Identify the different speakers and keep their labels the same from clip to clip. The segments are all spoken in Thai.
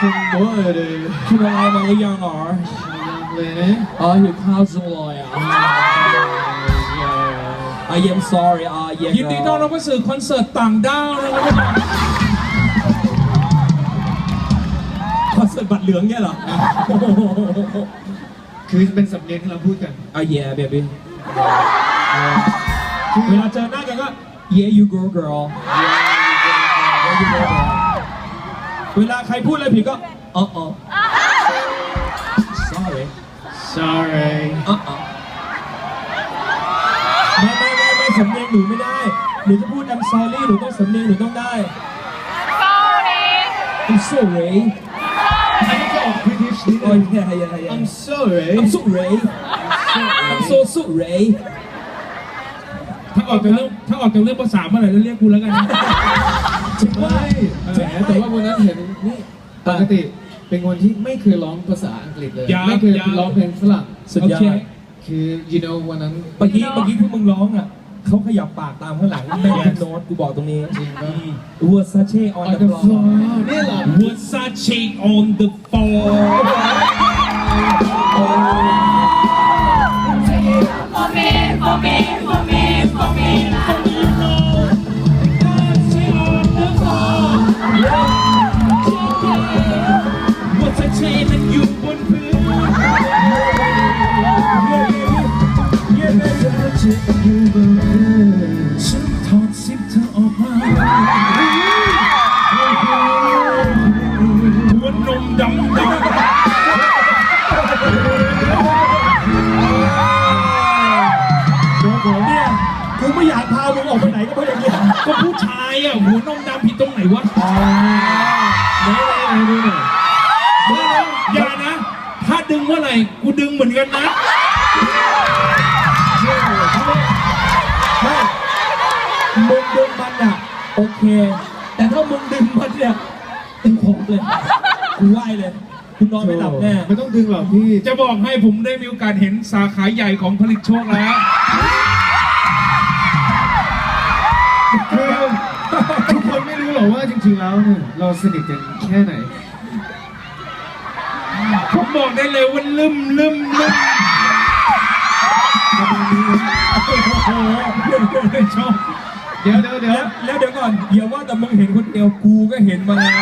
Speaker 1: คุณว่าอะไรคุณอะไรมาหรือยังหรอยังเลยนะหิวข้าวจังเลยI am sorry
Speaker 2: ยินดีต้อนรับเข้าสู่คอนเสิร์ตต่างดาวนะครับ
Speaker 1: คอนเสิร์ตบัตรเหลืองเนี่ยเหรอคือเป็นสำเนียงที่เราพูดกันyeah baby
Speaker 2: เวลาเจอหน้ากันก็
Speaker 1: yeah you go girl yeah you go girl
Speaker 2: เวลาใครพูดอะไรผิดก็
Speaker 1: sorry ไม่สำเนียงหนูไม่ได้หนูจะพูด I'm sorry หนูต้องสำเนียงหนูต้องได้ I'm sorry อันนี้ก็ออก British นิดนึง I'm sorry I'm sorry I'm so sorry
Speaker 2: ถ้าออกจากเรื่องภาษาเมื่อไหร่จะเรียกกูแล้วกัน
Speaker 3: ไม่แต่ว่าวันนั้นเห็นนี่ปกติเป็นคนที่ไม่เคยร้องภาษาอังกฤษเลยไม่เคยร้องเพลงฝรั่ง
Speaker 1: สุดยอด
Speaker 3: คือ you know วันนั้น
Speaker 1: เมื่อกี้ที่มึงร้องอ่ะเขาขยับปากตามข้างหลังไม่เป็นโน้ตกูบอกตรงนี้
Speaker 3: จริงป่ะ
Speaker 1: Versace on the floor
Speaker 3: นี่เหรอ
Speaker 2: Versace on the floor
Speaker 4: For me, for me, for me, for me.
Speaker 2: Versace นั้นอยู่บนพื้น ฉันถอดซิปเธอออกมาหัวนมดำ
Speaker 1: เนี่ยกูไม่อยากพามึงออกไปไหนก็เพราะอย่างเงี้ย
Speaker 2: ก็ผู้ชายอ่ะหัวนมดำผิดตรงไหนวะ
Speaker 3: ไหนดูหน่อย
Speaker 2: อย่านะ ถ้าดึงเมื่อไหร่กูดึงเหมือนกันนะ
Speaker 1: ไม่มึงดึงมันอ่ะโอเค แต่ถ้ามึงดึงมันเนี่ยตึงผมเลยกูไหวเลยกูนอนไม่หลับแน่
Speaker 3: ไม่ต้องดึงหรอกพี่
Speaker 2: จะบอกให้ผมได้มีโอกาสเห็นสาขาใหญ่ของผลิตโชคแล้ว
Speaker 3: คือทุกคนไม่รู้หรอกว่าจริงๆแล้วเนี่ยเราสนิทกันแค่ไหน
Speaker 2: ผมบอกได้เลยว่าลืม
Speaker 3: ประมาณนี้นะ
Speaker 2: ชอบ
Speaker 3: เดี๋ยว
Speaker 1: แล้วเดี๋ยวก่อนอย่าว่าแต่มึงเห็นคนเดียวกูก็เห็นมาแล้ว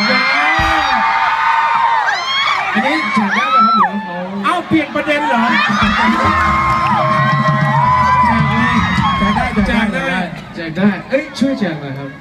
Speaker 3: อันนี้แจกได้ไหมครับหรือว่าเขา
Speaker 2: เอาเปลี่ยนประเด็นเหรอ
Speaker 1: แจกได้
Speaker 3: แจกได้ เอ้ยช่วยแจกหน่อยครับ